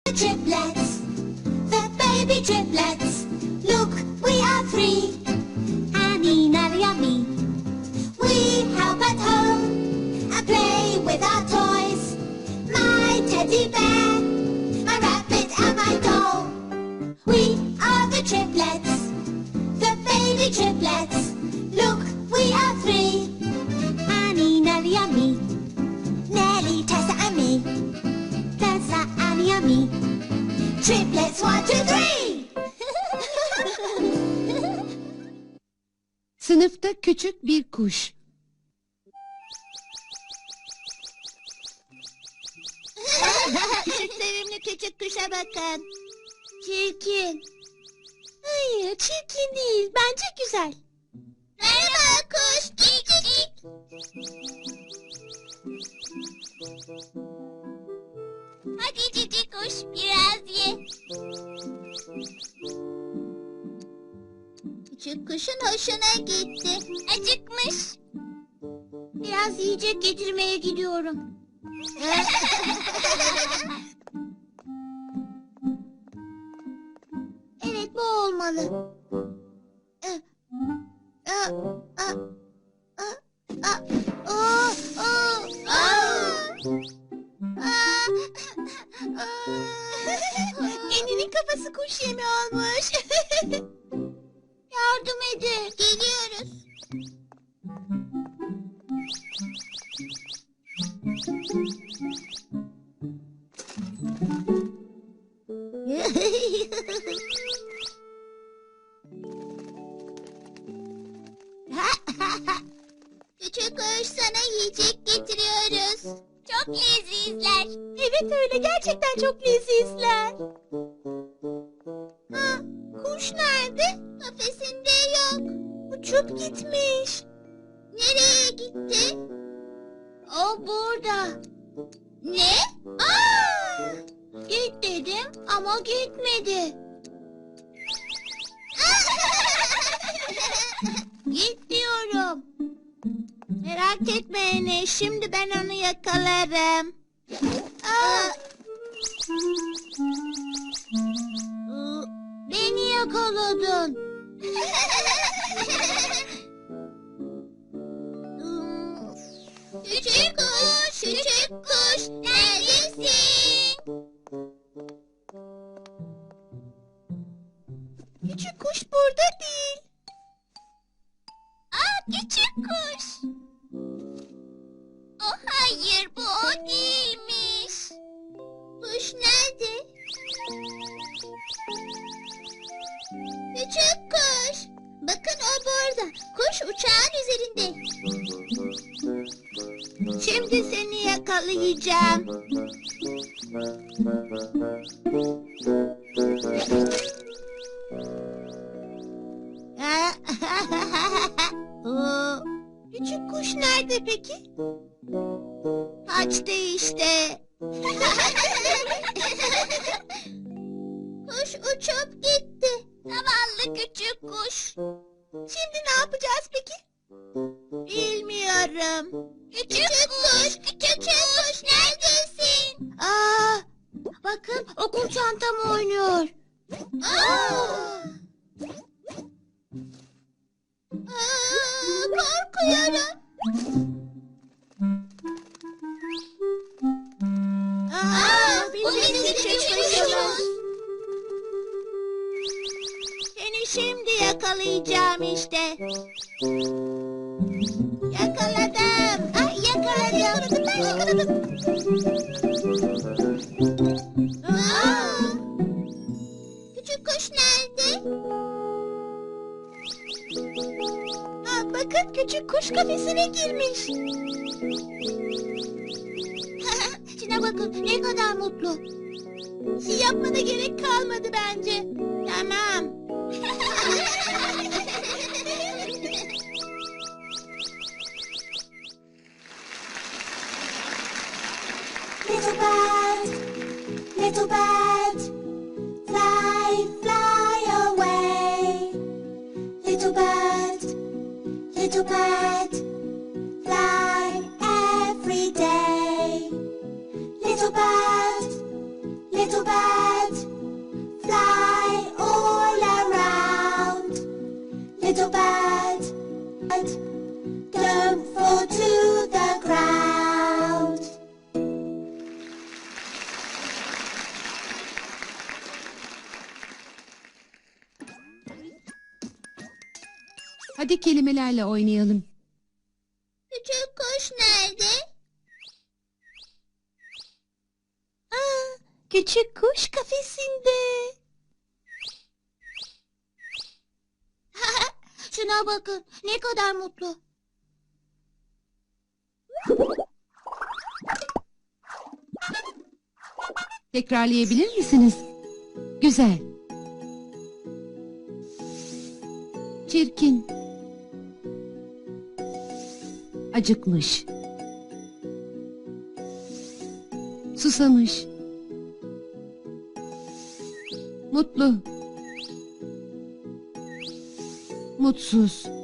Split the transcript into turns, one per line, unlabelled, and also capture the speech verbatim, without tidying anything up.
Triplets, the baby triplets. Look, we are three. Annie, Nellie, and me. We help at home and play with our toys. My teddy bear, my rabbit, and my doll. We are the triplets, the baby triplets. Look, we are three. Annie, Nellie, and me. Nellie, Tessa, and me. Tessa, Annie, and me. Triplets, one, two, three.
Sınıfta küçük bir kuş.
Şu sevimli küçük kuşa bakın. Çirkin. Hayır, çirkin değil. Bence güzel. Merhaba kuş. Cik cik. Hadi cici kuş, biraz ye. Küçük kuşun hoşuna gitti. Acıkmış. Biraz yiyecek getirmeye gidiyorum. Evet, bu olmalı. Eninin kafası kuş yemi olmuş. Yardım edin. Geliyoruz. Küçük kuş, sana yiyecek getiriyoruz. Çok lezizler. Evet öyle, gerçekten çok lezizler. Ha, kuş nerede? Kafesinde yok. Uçup gitmiş. Nereye gitti? O burada. Ne? Aa! Git dedim ama gitmedi. Git diyorum. Merak etme Ene, şimdi ben onu yakalarım. Aa! Beni yakaladın. Küçük kuş, küçük kuş, neredesin? Küçük kuş burada değil. Aa, küçük kuş. Oh hayır, bu o değilmiş. Kuş nerede? Küçük kuş. Bakın, o burada. Kuş uçağın üzerinde. Şimdi seni yakalayacağım. Küçük kuş nerede peki? Kaçtı işte. Kuş uçup gitti. Zavallı küçük kuş. Şimdi ne yapacağız peki? Bilmiyorum. Küçük, küçük kuş, küçük kuş, neredesin? Aa, bakın, okul çantam oynuyor. Aa! Aa, korkuyorum. Aa, bu bizim küçük kuşumuz. Seni şimdi yakalayacağım işte. Yakaladım. Ay, yakaladım. Yakaladım, ben yakaladım. Aa, küçük kuş nerede? Aa, bakın, küçük kuş kafesine girmiş. Şuna bakın, ne kadar mutlu. Şey yapmana gerek kalmadı bence. Tamam. Little bird, little bird, fly, fly away. Little bird, little bird, fly every day. Little bird, little bird.
Hadi kelimelerle oynayalım.
Küçük kuş nerede? Aa, küçük kuş kafesinde. Şuna bakın, ne kadar mutlu.
Tekrarlayabilir misiniz? Güzel. Çirkin. Acıkmış. Susamış. Mutlu. Mutsuz.